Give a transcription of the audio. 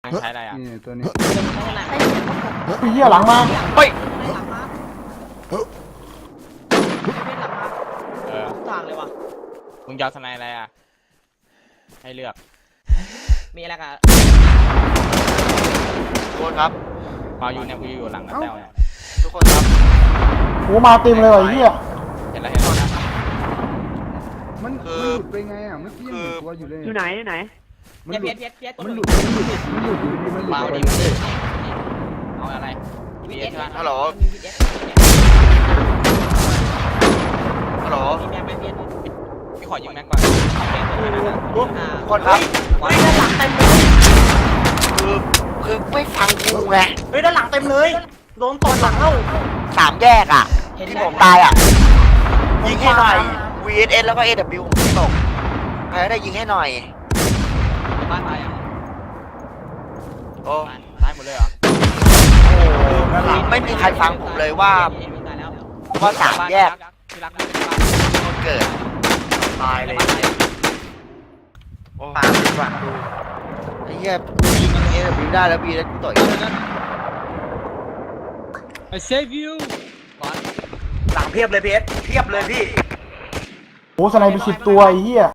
ใช้อะไรอ่ะนี่ตัวนี้พี่เหี้ยหลังมาเฮ้ยทางเลยว่ะมึงยาวสไนอะไรอ่ะให้เลือกมีอะไรกันทุกคนครับมาอยู่เนี่ยกูอยู่หลังนะแต้วเนี่ยทุกคนครับโอ้มาเต็มเลยว่ะไอ้เหี้ยเห็นแล้วเห็นแล้วนะมันหลุดไปไงอ่ะเมื่อกี้ยังเห็นตัวอยู่เลยอยู่ไหนไหนมันหลุดเพี้ยนมันหลุดอยู่ดีมันหลุดมาไปดิเลยเอาอะไรมีเอสใช่ไหมฮัลโหลฮัลโหลมีแม็กไหมเพี้ยนพี่ขอยิงแม็กก่อนทุกคนครับเฮ้ยด้านหลังเต็มเลยคือไม่ฟังกูไงเฮ้ยด้านหลังเต็มเลยโดนตบหลังแล้วสามแยกอ่ะที่ผมตายอ่ะยิงให้หน่อย VSS แล้วก็ AW ผมตกใครได้ยิงให้หน่อยบ้านตายยังโอ้ตายหมดเลยเหรอไม่มีใครฟังผมเลยว่าสามแยกที่รักไม่เป็นบ้านคนเกิดตายเลยโอ้มาดีกว่าดูไอ้เหี้ยยิง AW ได้แล้ว VSS กูต่อย I save you ก่อนหลังเพียบเลยเพชรเพียบเลยพี่โอ้สไนไป10 ตัวไอ้เหี้ย